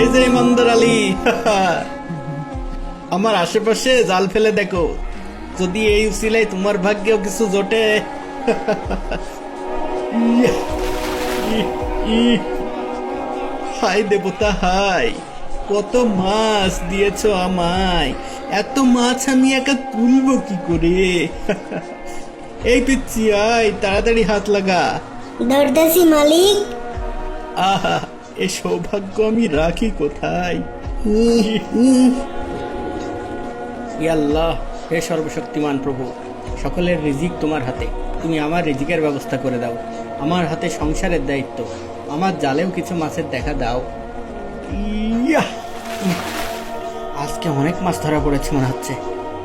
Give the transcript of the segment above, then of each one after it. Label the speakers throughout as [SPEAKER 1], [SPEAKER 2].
[SPEAKER 1] এই যে ইমানদার আলী, আমার আশেপাশে জাল ফেলে দেখো, যদি এই উসিলায় তোমার ভাগ্যেও কিছু জোটে। ইয়া, হাই দেবতা হাই, কত মাছ দিয়েছো আমায়, এত মাছ আমি একা তুলবো কি করে? এই পিচ্ছি আয়, তাড়াতাড়ি হাত লাগা।
[SPEAKER 2] দরদাসি মালিক।
[SPEAKER 1] আহা, এ সৌভাগ্য আমি রাখি কোথায়? ই আল্লাহ, হে সর্বশক্তিমান প্রভু, সকলের রিজিক তোমার হাতে, তুমি আমার রিজিকের ব্যবস্থা করে দাও। আমার হাতে সংসারের দায়িত্ব, আমার জালেও কিছু মাছের দেখা দাও। ইয়া, আজকে অনেক মাছ ধরা পড়েছে মনে হচ্ছে।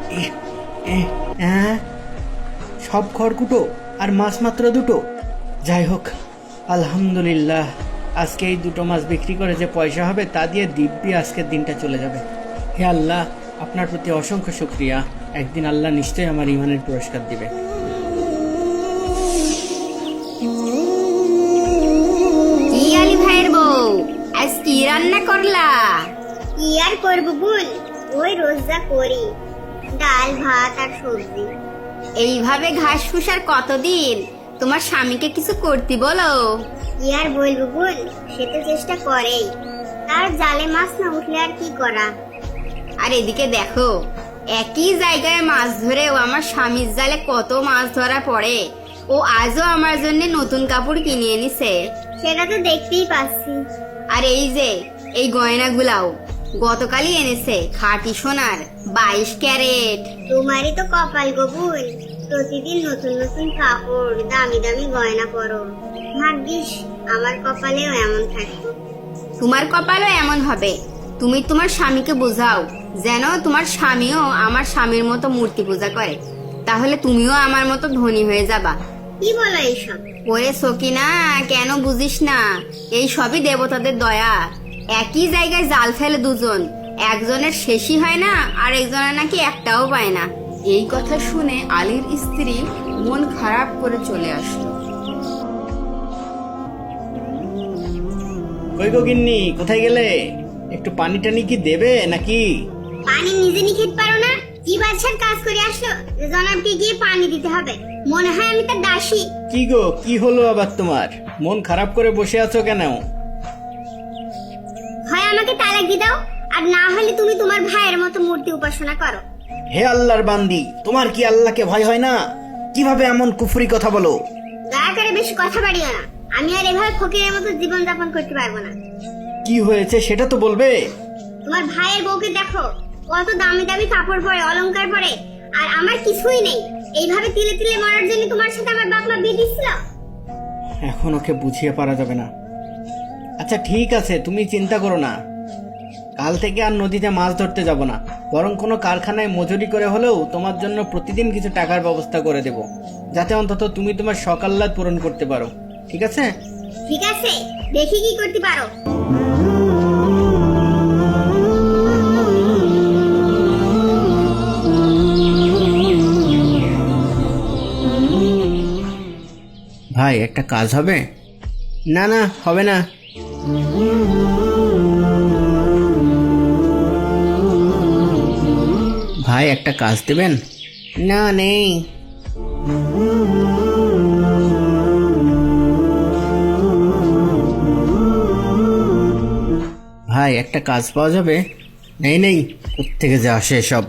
[SPEAKER 1] সব খড়কুটো আর মাছ মাত্র দুটো। যাই হোক, আলহামদুলিল্লাহ, আজকে এই দুটো মাছ বিক্রি করে যে পয়সা হবে তা দিয়ে দিব্যি আজকের দিনটা চলে যাবে। হে আল্লাহ, আপনার প্রতি অসংখ্য শুকরিয়া। একদিন আল্লাহ নিশ্চয়ই আমার ইমানের পুরস্কার দিবে।
[SPEAKER 3] কি আলী ভাইয়ের বউ, আজ কি রান্না করলা?
[SPEAKER 2] কি আর করবো বল, ওই রোজ যা করি, ডাল ভাত আর সবজি।
[SPEAKER 3] এইভাবে ঘাস ফুসার কতদিন? তোমার স্বামীকে কিছু করতে বলো।
[SPEAKER 2] কি আর বলবো বল, সে তো চেষ্টা করেই, তার জালে মাছ না উঠলে আর কি করা।
[SPEAKER 3] আর এদিকে দেখো, একই জায়গায় মাছ ধরেও আমার স্বামীর জালে কত মাছ ধরা পড়ে। ও আজও আমার জন্য নতুন কাপড় কিনে এনেছে।
[SPEAKER 2] সেটা তো দেখতেই পাচ্ছি।
[SPEAKER 3] আর এই যে এই গয়নাগুলাও গতকালই এনেছে, খাঁটি সোনার 22 ক্যারেট।
[SPEAKER 2] তোমারই তো কপাল গবুল, প্রতিদিন নতুন নতুন কাপড়, দামি দামি গয়না পরো। ভাগ্যিস আমার কপালেও এমন থাকতো।
[SPEAKER 3] তোমার কপালও এমন হবে। তুমি তোমার স্বামীকে বোঝাও যেন তোমার স্বামীও আমার স্বামীর মতো মূর্তি পূজা করে, তাহলে তুমিও আমার মতো ধনী হয়ে যাবা।
[SPEAKER 2] কি বলো এইসব?
[SPEAKER 3] ওরে সকিনা, কেন বুঝিস না? এই সবই দেবতাদের দয়া। একই জায়গায় জাল ফেলে দুজন, একজনের শেষই হয় না আর একজনের নাকি একটাও পায় না। এই কথা শুনে আলীর স্ত্রী মন খারাপ করে চলে আসলো।
[SPEAKER 1] কই গো গিন্নি, কোথায় গেলে? একটু পানি টানি কি দেবে নাকি?
[SPEAKER 2] পানি নিজে নিয়ে খেতে পারো না? কি বাদশার কাজ করে আসলো যে জনাবকে গিয়ে পানি দিতে হবে? মনে হয় আমি তার দাসী।
[SPEAKER 1] কি গো, কি হলো আবার তোমার? মন খারাপ করে বসে আছো কেন?
[SPEAKER 2] হয় আমাকে তালাক দিয়ে দাও, আর না হলে তুমি তোমার ভাইয়ের মতো মূর্তি উপাসনা করো।
[SPEAKER 1] হে আল্লাহর বান্দি, তোমার কি আল্লাহকে ভয় হয় না? কিভাবে এমন কুফরি কথা বলো?
[SPEAKER 2] দয়া করে বেশি কথা বাড়িও না, আমি আর এভাবে ফকিরের মতো জীবন যাপন করতে পারবো না।
[SPEAKER 1] কি হয়েছে সেটা তো বলবে।
[SPEAKER 2] তোমার ভাইয়ের বউকে দেখো, কত দামি দামি কাপড় পরে, অলংকার পরে, আর আমার কিছুই নেই। এইভাবে তিলে তিলে মরার জন্য তোমার সাথে আমার বাপ মা বিয়ে দিচ্ছিল।
[SPEAKER 1] এখন ওকে বুঝিয়ে পারা যাবে না। আচ্ছা ঠিক আছে, তুমি চিন্তা করো না, কাল থেকে আর নদীতে মাছ ধরতে যাব না, বরং কোনো কারখানায় মজুরি করে হলেও তোমার জন্য প্রতিদিন কিছু টাকার ব্যবস্থা করে দেব, যাতে অন্তত তুমি তোমার শখ আহ্লাদ পূরণ করতে পারো। ঠিক আছে?
[SPEAKER 2] ঠিক আছে, দেখি কি করতে পারো।
[SPEAKER 1] ভাই, একটা কাজ হবে? না না, হবে না। ভাই, একটা কাজ দেবেন? না, নেই। ভাই, একটা কাজ পাওয়া যাবে? নেই নেই, কোত্থেকে যে আসে সব।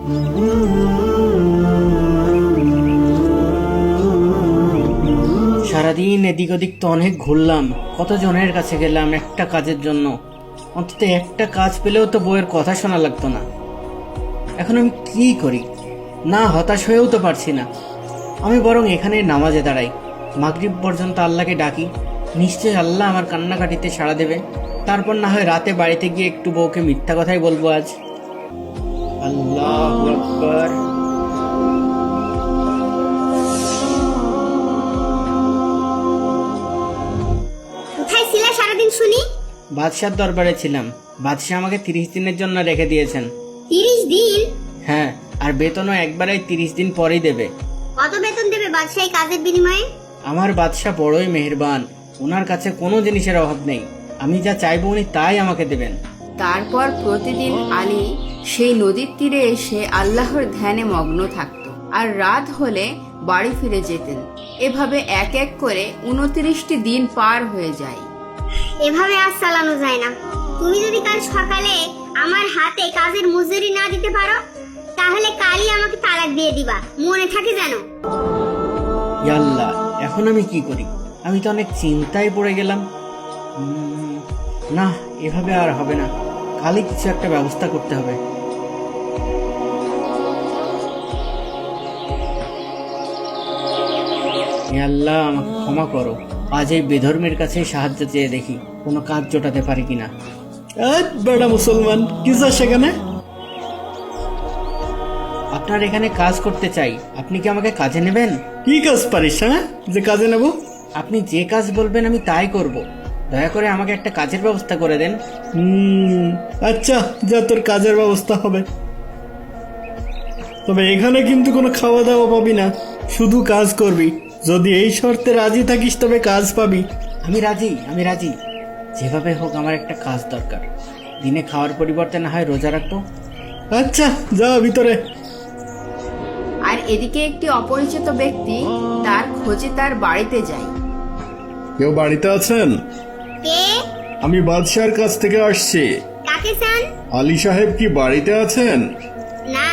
[SPEAKER 1] সারাদিন এদিক ওদিক তো অনেক ঘুরলাম, কত জনের কাছে গেলাম একটা কাজের জন্য। অন্তত একটা কাজ পেলেও তো বউয়ের কথা শোনা লাগতো না। এখন আমি কি করি? না, হতাশ হয়েও তো পারছি না। আমি বরং এখানে নামাজে দাঁড়াই, মাগরিব পর্যন্ত আল্লাহকে ডাকি, নিশ্চয়ই আল্লাহ আমার কান্নাকাটিতে সাড়া দেবে। তারপর না হয় রাতে বাড়িতে গিয়ে একটু বউকে মিথ্যা কথাই বলবো আজ। আল্লাহু আকবার।
[SPEAKER 2] কোথায় ছিলে সারাদিন শুনি?
[SPEAKER 1] বাদশার দরবারে ছিলাম। বাদশাহ আমাকে 30 দিনের জন্য রেখে দিয়েছেন।
[SPEAKER 2] 30 দিন?
[SPEAKER 1] হ্যাঁ, আর বেতনও একবারেই 30 দিন পরেই দেবে।
[SPEAKER 2] কত বেতন দেবে বাদশাহ এই কাজের বিনিময়ে?
[SPEAKER 1] আমার বাদশাহ বড়ই মেহেরবান, ওনার কাছে কোনো জিনিসের অভাব নেই। আমি যা চাইবো উনি তাই আমাকে দেবেন।
[SPEAKER 3] তারপর প্রতিদিন আলী সেই নদীর তীরে এসে আল্লাহর ধ্যানে মগ্ন থাকত আর রাত হলে বাড়ি ফিরে যেতেন। এভাবে এক এক করে 29টি দিন পার হয়ে যায়।
[SPEAKER 2] এভাবে আর চালানো যায় না। তুমি যদি কাল সকালে আমার হাতে কাজের মজুরি না দিতে পারো তাহলে কালই আমাকে তালাক দিয়ে দিবা, মনে থাকে জানো।
[SPEAKER 1] আল্লাহ, এখন আমি কি করি? আমি তো অনেক চিন্তায় পড়ে গেলাম। না, এভাবে আর হবে না, কালই কিছু একটা ব্যবস্থা করতে হবে। আল্লাহ, আমাকে ক্ষমা করো। আজ এই বেধর্মের কাছে সাহায্য চেয়ে দেখি কোনো কাজ জোটাতে পারি কিনা। বেড়া মুসলমান, কি যা সেখানে? আপনার এখানে কাজ করতে চাই, আপনি কি আমাকে কাজে নেবেন? কি কাজ পারিস, হ্যাঁ, যে কাজে নেব? আপনি যে কাজ বলবেন আমি তাই করব। দয়া করে আমাকে একটা কাজের ব্যবস্থা করে দেন। আচ্ছা, যা, তোর কাজের ব্যবস্থা হবে। তবে এখানে কিন্তু কোনো খাওয়া দাওয়া পাবি না, শুধু কাজ করবি। যদি এই শর্তে রাজি থাকিস তবে কাজ পাবি। আমি রাজি, আমি রাজি। যেভাবে হোক আমার একটা কাজ দরকার। দিনে খাওয়ার পরিবর্তে না হয় রোজা রাখবো। আচ্ছা, যা ভিতরে।
[SPEAKER 3] আর এদিকে একটি অপরিচিত ব্যক্তি তার খোঁজে তার বাড়িতে যায়।
[SPEAKER 4] কেউ বাড়িতে আছেন?
[SPEAKER 2] কে?
[SPEAKER 4] আমি বাদশার কাছ থেকে আসছি।
[SPEAKER 2] কাকে চান?
[SPEAKER 4] আলী সাহেব কি বাড়িতে আছেন?
[SPEAKER 2] না,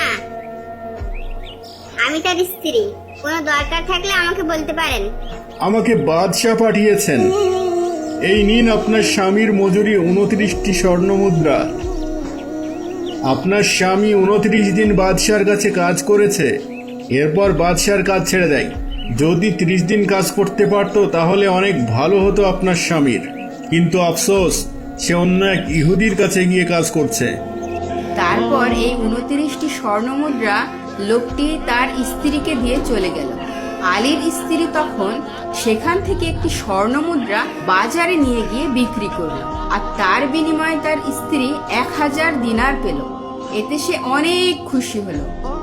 [SPEAKER 2] আমি তার স্ত্রী। কোনো দরকার থাকলে আমাকে বলতে পারেন।
[SPEAKER 4] আমাকে বাদশাহ পাঠিয়েছেন। এই নিন আপনার স্বামীর মজুরি 29টি স্বর্ণ মুদ্রা। আপনার স্বামী 29 দিন বাদশার কাছে কাজ করেছে, এরপর বাদশার কাজ ছেড়ে দেয়। যদি 30 দিন কাজ করতে পারতো তাহলে অনেক ভালো হতো আপনার স্বামীর, কিন্তু আফসোস, সে অন্য এক ইহুদির কাছে গিয়ে কাজ করছে।
[SPEAKER 3] তারপর এই 29টি স্বর্ণমুদ্রা লোকটি তার স্ত্রীকে দিয়ে চলে গেল। আলীর স্ত্রী তখন সেখান থেকে একটি স্বর্ণমুদ্রা বাজারে নিয়ে গিয়ে বিক্রি করল, আর তার বিনিময়ে তার স্ত্রী 1000 দিনার পেল। এতে সে অনেক খুশি হলো।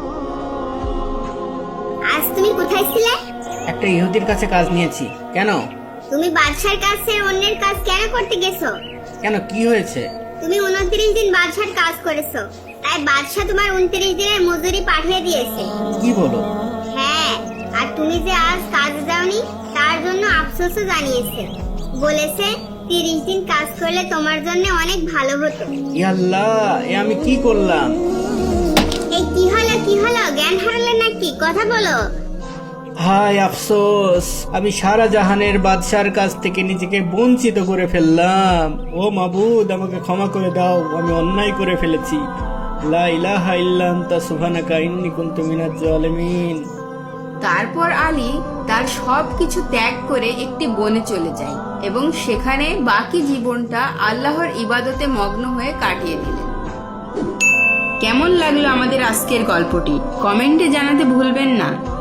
[SPEAKER 2] আজ তুমি কোথায় ছিলে?
[SPEAKER 1] একটা ইহুদির কাছে কাজ নিয়েছি। কেন?
[SPEAKER 2] তুমি বাদশার কাছে অন্যের কাজ কেন করতে গেছো?
[SPEAKER 1] কেন, কি হয়েছে?
[SPEAKER 2] তুমি 29 দিন বাদশার কাজ করেছো, তাই বাদশা তোমার 29 দিনের মজুরি পাঠিয়ে দিয়েছে।
[SPEAKER 1] কি বলো?
[SPEAKER 2] হ্যাঁ, আর তুমি যে আজ কাজে যাওনি তার জন্য আফসোসও জানিয়েছে। বলেছে 30 দিন কাজ করলে তোমার জন্য অনেক ভালো হতো।
[SPEAKER 1] আল্লাহ, এ আমি কি করলাম?
[SPEAKER 2] এই কি হলো, কি হলো? জ্ঞান হারালে নাকি? কথা বলো।
[SPEAKER 1] হায় আফসোস, আমি সারা জাহানের বাদশার কাছ থেকে নিজেকে বঞ্চিত করে ফেললাম। ও মাবুদ, আমাকে ক্ষমা করে দাও, আমি অন্যায় করে ফেলেছি। লা ইলাহা ইল্লা আনতা সুবহানাকা ইন্নী কুনতু মিনাজ জালিমিন।
[SPEAKER 3] তারপর আলী তার সব কিছু ত্যাগ করে একটি বনে চলে যায় এবং সেখানে বাকি জীবনটা আল্লাহর ইবাদতে মগ্ন হয়ে কাটিয়ে দিলেন। কেমন লাগলো আমাদের আজকের গল্পটি? কমেন্টে জানাতে ভুলবেন না।